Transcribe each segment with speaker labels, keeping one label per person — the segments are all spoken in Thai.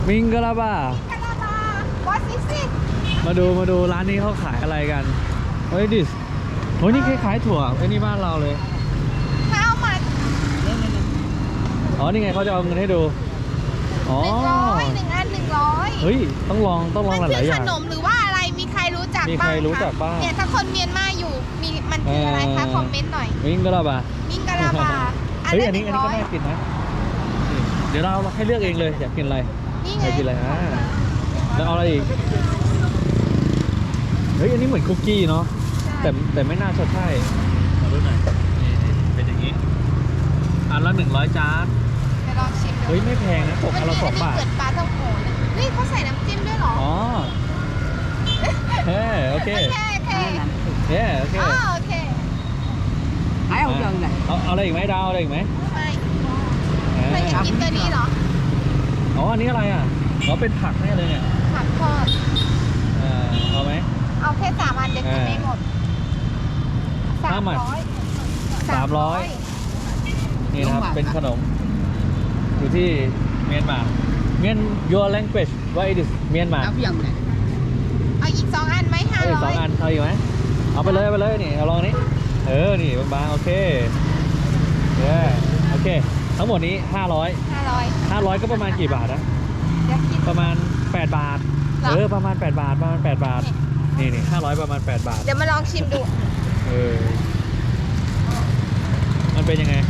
Speaker 1: มิงกะลาบา
Speaker 2: กะลาบา140
Speaker 1: มาดูร้านนี้เขาขายอะไรกันเฮ้ยดิสโหนี่คล้ายๆถั่วไอ้นี่บ้านเราเลย
Speaker 2: How much
Speaker 1: อ๋อนี่ไงเขาจะเอาเงินให้ดูอ๋อ
Speaker 2: 100 1 อัน 100
Speaker 1: เฮ้ยต้องลองห
Speaker 2: มัน
Speaker 1: ลายๆอ
Speaker 2: ข
Speaker 1: ย่าง
Speaker 2: นมหรือว่าอะไรมีใครรู้จัก
Speaker 1: มี
Speaker 2: บ้าง
Speaker 1: ใครรู้จักบ้าง
Speaker 2: เนี่ยถ้าคนเมียนมาอยู่มีมันคืออะไรคะคอมเมนต์หน่อย
Speaker 1: มิงกะลาบา
Speaker 2: มิงกะลาบา
Speaker 1: เฮ้ย
Speaker 2: ละ
Speaker 1: อันนี้ก็น่ากินนะนี่เดี๋ยวเราให้เลือกเองเลยอยากกินอะไร
Speaker 2: นี่
Speaker 1: อ
Speaker 2: ไง
Speaker 1: ยากกินอะไรแล้วเอาอะไรอีกเฮ้ยอันนี้เหมือนคุกกี้เนาะแต่ไม่น่าจะใช่มาดูหน่อยนี่เป็นอย่างนี้อันละ100จาน
Speaker 2: เดี๋ยวลองชิมดู
Speaker 1: เฮ้ยไม่แพงนะตกอันละ2 บาท
Speaker 2: เกิดปลาท่องโกนะเฮ้ยเขาใส่น้ำจิ้มด้วยเหรอ
Speaker 1: อ๋อเฮ้โอเค
Speaker 2: โอเคโอเค
Speaker 1: เฮ้โอเค
Speaker 2: อ๋อโอเค
Speaker 3: Thái không chừng này.
Speaker 1: เอาอะไรอีกไหมดาวอะไรอีกไหม
Speaker 2: ไม่
Speaker 1: อ่า
Speaker 2: เธออยากกินตัวนี้เหรอ
Speaker 1: อ๋ออันนี้อะไรอ่ะอ๋อเป็นผักแน่เลยเนี่ย
Speaker 2: ผักทอด
Speaker 1: เอาไหม
Speaker 2: เอาแค่3 อันเดี๋ยวกินไม่หมด
Speaker 1: ห้าหมัด 300 นี่นะครับ เป็นขนม อยู่ที่เมียนมาเมียน your language what it is เมียนมา
Speaker 3: Áo dần này.
Speaker 2: เอาอีก2 อันไหม
Speaker 1: เอาอีก2 อัน เอาอีกไหมเอาไปเลยนี่เอาลองนี้นี่บางๆโอเคโอเค ทั้งหมดนี้500ก็ประมาณกี่บาทนะ
Speaker 2: เดี๋ยวกิน
Speaker 1: ประมาณ8 บาท
Speaker 2: เหรอ
Speaker 1: ประมาณ8 บาทนี่500ประมาณ8 บาท
Speaker 2: เดี๋ยวมาลองชิมดู
Speaker 1: มันเป็นยังไง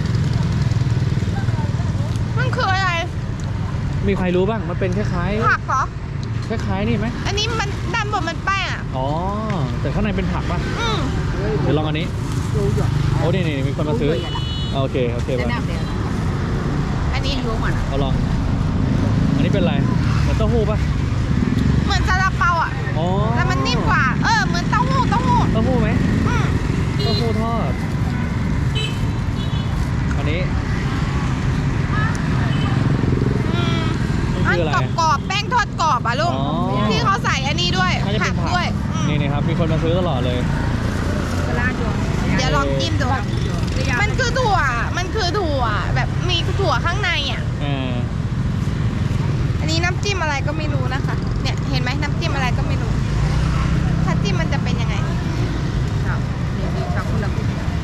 Speaker 2: มันคืออะไร
Speaker 1: มีใครรู้บ้างมันเป็นคล้าย
Speaker 2: ผักเหรอ
Speaker 1: ๆคล้ายๆนี่ไหม
Speaker 2: อันนี้มันด้านบนมันแป้งอ่ะ
Speaker 1: อ๋อแต่ข้างในเป็นผักป่ะ
Speaker 2: อืม
Speaker 1: เดี๋ยวลองอันนี้
Speaker 3: Chú rồi.
Speaker 1: โอ้นี่มีคนมาซื้อ
Speaker 3: Chú rồi là.
Speaker 1: โอเค
Speaker 3: Để
Speaker 1: มา
Speaker 3: nào để.
Speaker 2: อันนี้
Speaker 3: Chú mà.
Speaker 1: เอาลอง อันนี้เป็นอะไรเหมือนเต้าหู้ป่ะ
Speaker 2: เหมือนซาลาเปาอ่ะ
Speaker 1: อ๋อ
Speaker 2: แต่มันนิ่มกว่า เหมือนเต้าหู้
Speaker 1: เต้าหู้ไหม
Speaker 2: อืม
Speaker 1: เต้าหู้ทอด อันนี้
Speaker 2: อัน
Speaker 1: คืออะไร
Speaker 2: กรอบๆแป้งทอดกรอบอ่ะลูก
Speaker 1: อ๋อ
Speaker 2: ที่เขาใส่อันนี้ด้วย
Speaker 1: น่าจะ
Speaker 2: ผั
Speaker 1: เป็น
Speaker 2: ก
Speaker 1: ผัก
Speaker 2: ด้วยอืม
Speaker 1: นี่ครับมีคนมาซื้อตลอดเลย
Speaker 3: La vô.
Speaker 2: เดี๋ยวลองจิ้มดู มันคือถั่ว แบบมีถั่วข้างในอ่ะ อันนี้น้ำจิ้มอะไรก็ไม่รู้นะคะ เนี่ยเห็นไหมน้ำจิ้มอะไรก็ไม่รู้ ถ้าจิ้มมันจะเป็นยังไง
Speaker 3: Sao? Đi sao cũng là.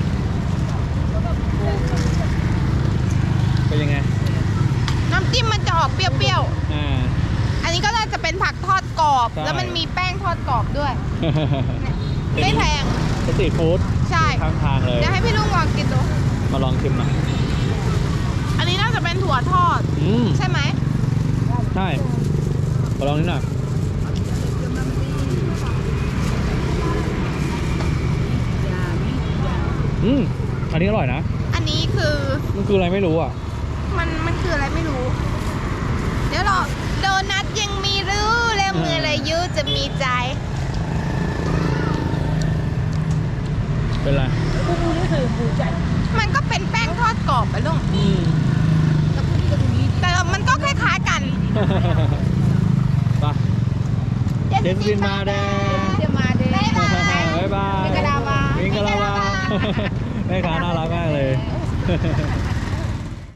Speaker 1: เป็นยังไง
Speaker 2: น้ำจิ้มมันจะออกเปรี้ยว
Speaker 1: อ่า
Speaker 2: ๆ อันนี้ก็น่าจะเป็นผักทอดกรอบ
Speaker 1: ใช่
Speaker 2: แล้วมันมีแป้งทอดกรอบด้วย ไม่แพง
Speaker 1: สตรีทฟู้ด
Speaker 2: ใช่
Speaker 1: ข้างทางเลย
Speaker 2: เดี๋ยวให้พี่ลุงลองกินดู
Speaker 1: มาลองชิมหน่อย
Speaker 2: อันนี้น่าจะเป็นถั่วทอด ใช่ไหม
Speaker 1: ใช่มาลองนิดหน่อยอันนี้อร่อยนะ
Speaker 2: อันนี้คือ
Speaker 1: มันคืออะไรไม่รู้อ่ะ
Speaker 2: มันคืออะไรไม่รู้ เดี๋ยวรอโดนัทยังมีรู้แล้วมืออะไรยุจะมีใจ
Speaker 1: เป็นไร
Speaker 2: มันก็เป็นแป้งทอดกรอบไปลุงแต่มันก็คล้ายๆกัน
Speaker 1: ไปเจนซินมาแดง
Speaker 2: จะมาเด้บ๊ายบาย
Speaker 1: บ๊ายบาย
Speaker 2: มิงกะลาบา
Speaker 1: มิงกะลาบาแม่ค้าน่ารักมากเลย